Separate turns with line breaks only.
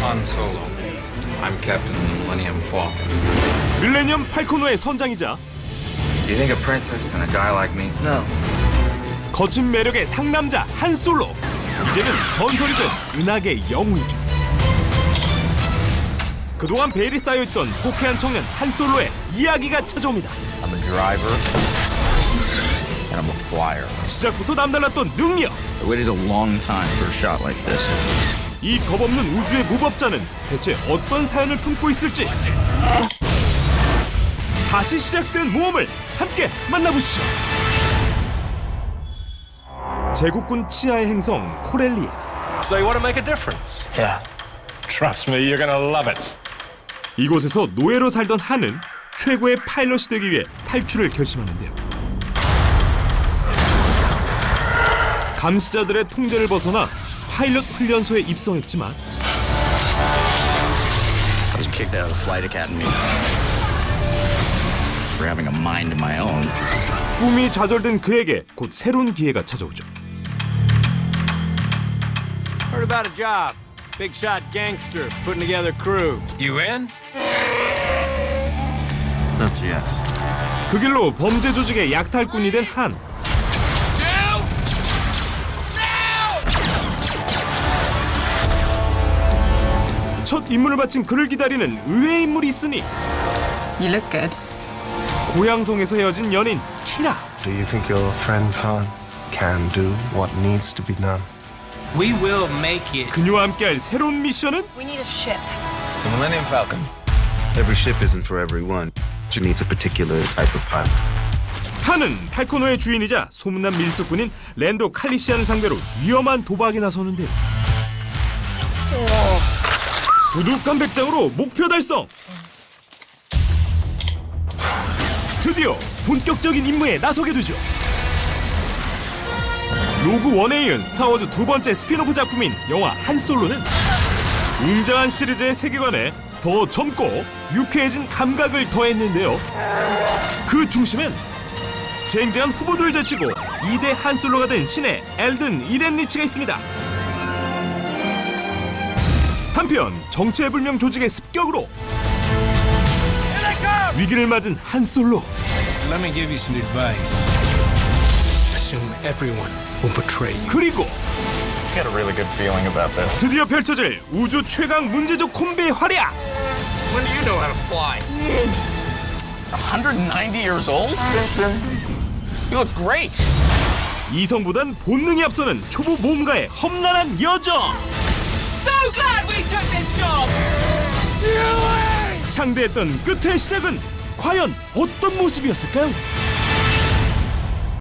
Han Solo. I'm Captain Millennium Falcon.
밀레니엄 팔코노의 선장이자
You think a princess and a guy like me?
No.
거친 매력의 상남자 한 솔로. 이제는 전설이 된 은하계 영웅이죠. 그동안 베일이 쌓여있던 호쾌한 청년 한 솔로의 이야기가 찾아옵니다.
I'm a driver and I'm a flyer.
시작부터 남달랐던 능력.
I waited a long time for a shot like this.
이 겁없는 우주의 무법자는 대체 어떤 사연을 품고 있을지. 다시 시작된 모험을 함께 만나보시죠. 제국군 치아의 행성 코렐리아.
So you want to make a difference?
Yeah.
Trust me, you're gonna love it.
이곳에서 노예로 살던 한은 최고의 파일럿이 되기 위해 탈출을 결심하는데요. 감시자들의 통제를 벗어나 파일럿 훈련소에 입성했지만
I was kicked out of the flight academy for having a mind of my own.
꿈이 좌절된 그에게 곧 새로운 기회가 찾아오죠.
Heard about a job. Big shot gangster putting together crew.
You in?
That's a yes.
그 길로 범죄 조직의 약탈꾼이 된 한. 첫 임무를 마친 그를 기다리는 의외의 인물이 있으니
You look good.
고향성에서 헤어진 연인 키라.
Do you think your friend Han can do what needs to be done?
We will make it.
그녀와 함께할 새로운 미션은
We need a ship.
The Millennium Falcon.
Every ship isn't for everyone. She needs a particular type of pilot.
한은 팔코노의 주인이자 소문난 밀수꾼인 랜도 칼리시안을 상대로 위험한 도박에 나서는데요. 두둑한 백장으로 목표 달성! 드디어 본격적인 임무에 나서게 되죠. 로그 원에 이은 스타워즈 두 번째 스피노프 작품인 영화 한 솔로는 웅장한 시리즈의 세계관에 더 젊고 유쾌해진 감각을 더했는데요. 그 중심엔 쟁쟁한 후보들을 제치고 2대 한 솔로가 된 신의 엘든 이렌리치가 있습니다. 한편 정체불명 조직의 습격으로 위기를 맞은 한 솔로.
Let me give you some advice. Assume everyone will betray you.
그리고
I got a really good feeling about this.
드디어 펼쳐질 우주 최강 문제적 콤비의 활약.
When do you know how to fly?
190 years old? You look great.
이성보단 본능이 앞서는 초보 모험가의 험난한 여정.
So glad we took this job.
창대했던 끝의 시작은 과연 어떤 모습이었을까요?